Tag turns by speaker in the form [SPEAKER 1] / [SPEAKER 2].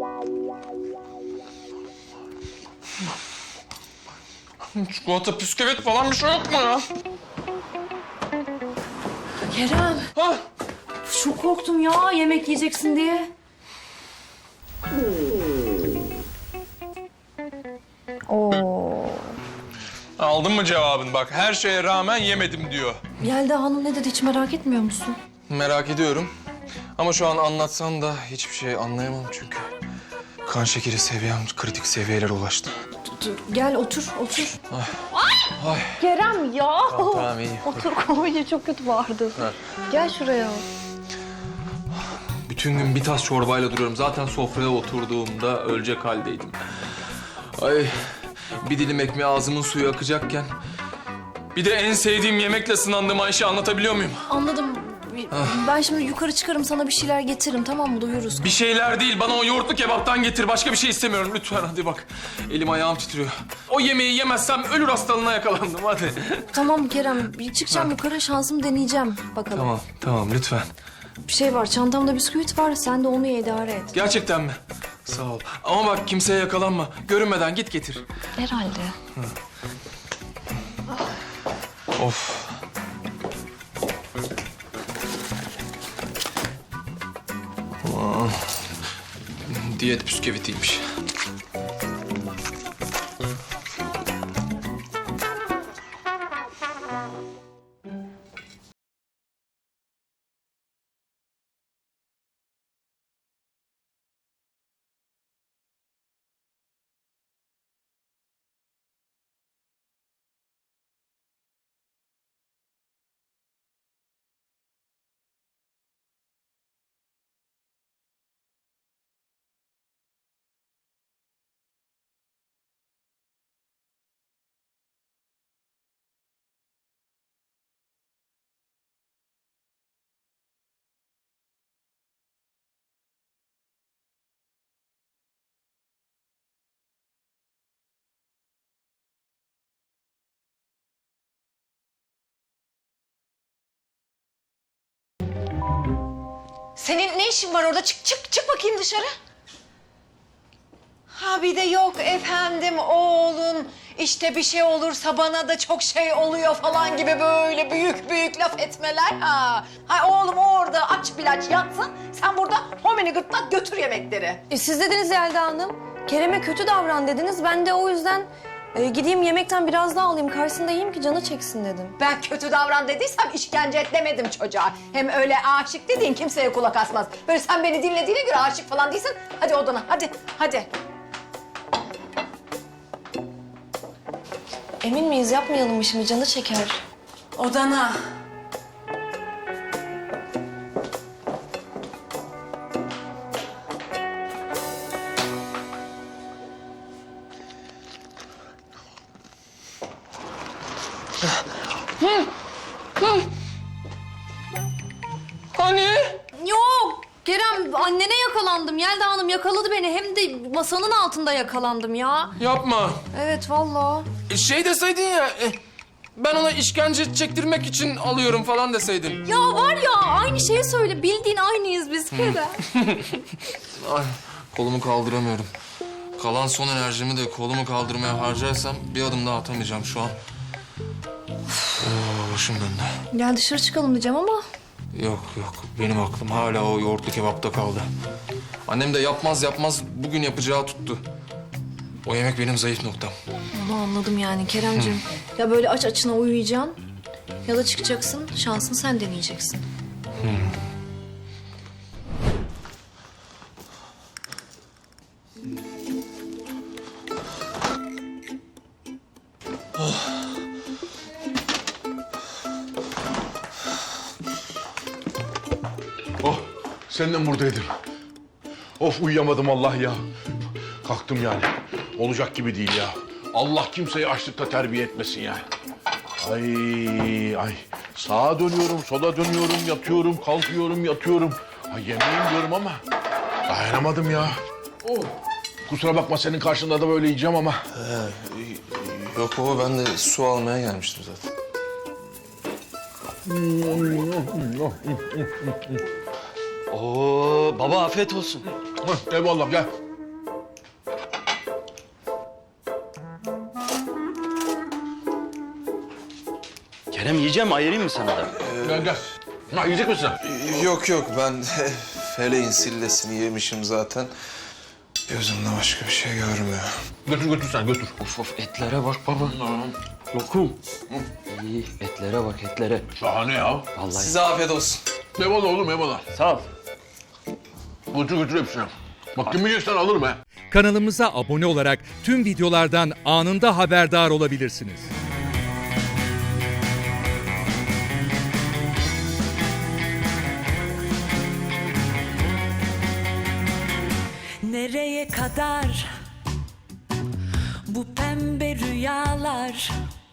[SPEAKER 1] Çikolata, bisküvit falan bir şey yok mu ya?
[SPEAKER 2] Kerem,
[SPEAKER 1] Ha?
[SPEAKER 2] çok korktum ya yemek yiyeceksin diye. Oo.
[SPEAKER 1] Aldın mı cevabını bak? Her şeye rağmen yemedim diyor.
[SPEAKER 2] Yelda Hanım ne dedi hiç merak etmiyor musun?
[SPEAKER 1] Merak ediyorum. Ama şu an anlatsan da hiçbir şey anlayamam çünkü. Kan şekeri seviyem kritik seviyelere ulaştı.
[SPEAKER 2] Dur, gel otur.
[SPEAKER 1] Ay.
[SPEAKER 2] Kerem ya.
[SPEAKER 1] Tamam iyi.
[SPEAKER 2] Otur koyunca çok kötü bağırdın. Gel şuraya.
[SPEAKER 1] Bütün gün bir tas çorbayla duruyorum. Zaten sofraya oturduğumda ölecek haldeydim. Ay, bir dilim ekmeği ağzımın suyu akacakken... Bir de en sevdiğim yemekle sınandığım Ayşe, anlatabiliyor muyum?
[SPEAKER 2] Anladım. Ben şimdi yukarı çıkarım sana bir şeyler getiririm tamam mı? Doyuruz.
[SPEAKER 1] Bir şeyler değil, bana o yoğurtlu kebaptan getir. Başka bir şey istemiyorum lütfen, hadi bak. Elim ayağım titriyor. O yemeği yemezsem ölür hastalığına yakalandım, hadi.
[SPEAKER 2] Tamam Kerem bir çıkacağım yukarı şansımı deneyeceğim bakalım.
[SPEAKER 1] Tamam lütfen.
[SPEAKER 2] Bir şey var çantamda bisküvit var sen de onu idare et.
[SPEAKER 1] Gerçekten mi? Sağ ol. Ama bak kimseye yakalanma. Görünmeden git getir.
[SPEAKER 2] Herhalde.
[SPEAKER 1] Of. Aman. Diyet bisküvitiymiş.
[SPEAKER 3] Senin ne işin var orada? Çık bakayım dışarı. Ha bir de yok efendim oğlun işte bir şey olursa bana da çok şey oluyor falan gibi böyle büyük laf etmeler. Ha oğlum orada aç bilaç yatsın. Sen burada homini gırtlak götür yemekleri.
[SPEAKER 2] Siz dediniz Yelda Hanım. Kerem'e kötü davran dediniz. Ben de o yüzden gideyim yemekten biraz daha alayım. Karşısında yiyeyim ki canı çeksin dedim.
[SPEAKER 3] Ben kötü davran dediysem işkence et demedim çocuğa. Hem öyle aşık dediğin kimseye kulak asmaz. Böyle sen beni dinlediğine göre aşık falan değilsin. Hadi odana hadi.
[SPEAKER 2] Emin miyiz yapmayalım mı şimdi canı çeker.
[SPEAKER 3] Odana.
[SPEAKER 1] Hani?
[SPEAKER 2] Yok Kerem annene yakalandım. Yelda Hanım yakaladı beni. Hem de masanın altında yakalandım ya.
[SPEAKER 1] Yapma.
[SPEAKER 2] Evet vallahi.
[SPEAKER 1] Şey deseydin ya... ben ona işkence çektirmek için alıyorum falan deseydin.
[SPEAKER 2] Ya var ya aynı şeyi söyle. Bildiğin aynıyız biz Kerem.
[SPEAKER 1] Ay, kolumu kaldıramıyorum. Kalan son enerjimi de kolumu kaldırmaya harcarsam bir adım daha atamayacağım şu an. Başım döndü.
[SPEAKER 2] Gel dışarı çıkalım diyeceğim ama.
[SPEAKER 1] Yok, benim aklım hala o yoğurtlu kebapta kaldı. Annem de yapmaz bugün yapacağı tuttu. O yemek benim zayıf noktam.
[SPEAKER 2] Onu anladım yani Keremciğim. Ya böyle aç açına uyuyacaksın ya da çıkacaksın. Şansını sen deneyeceksin.
[SPEAKER 4] Oh, sen de mi buradaydın? Of uyuyamadım Allah ya. Kalktım yani. Olacak gibi değil ya. Allah kimseyi açlıkta terbiye etmesin yani. Ay. Sağa dönüyorum, sola dönüyorum, yatıyorum, kalkıyorum, yatıyorum. Ay yemeğim diyorum ama dayanamadım ya. Oh. Kusura bakma senin karşında da böyle yiyeceğim ama.
[SPEAKER 1] Yok baba, ben de su almaya gelmiştim zaten.
[SPEAKER 5] Oo baba afiyet olsun.
[SPEAKER 4] Eyvallah gel.
[SPEAKER 5] Kerem yiyeceğim, ayırayım mı sana da?
[SPEAKER 4] Gel gel. Ha, yiyecek misin?
[SPEAKER 6] Yok yok ben feleğin sillesini yemişim zaten. Gözümde başka bir şey görmüyor.
[SPEAKER 4] Götür sen götür.
[SPEAKER 5] Of etlere bak baba. Lokum. İyi, etlere bak etlere.
[SPEAKER 4] Şahane ya.
[SPEAKER 5] Vallahi.
[SPEAKER 6] Size afiyet olsun.
[SPEAKER 4] Eyvallah oğlum eyvallah.
[SPEAKER 5] Sağ ol.
[SPEAKER 4] Götür hepsini. Bak kim yiyeceksen alırım he.
[SPEAKER 7] Kanalımıza abone olarak tüm videolardan anında haberdar olabilirsiniz.
[SPEAKER 8] Nereye kadar bu pembe rüyalar?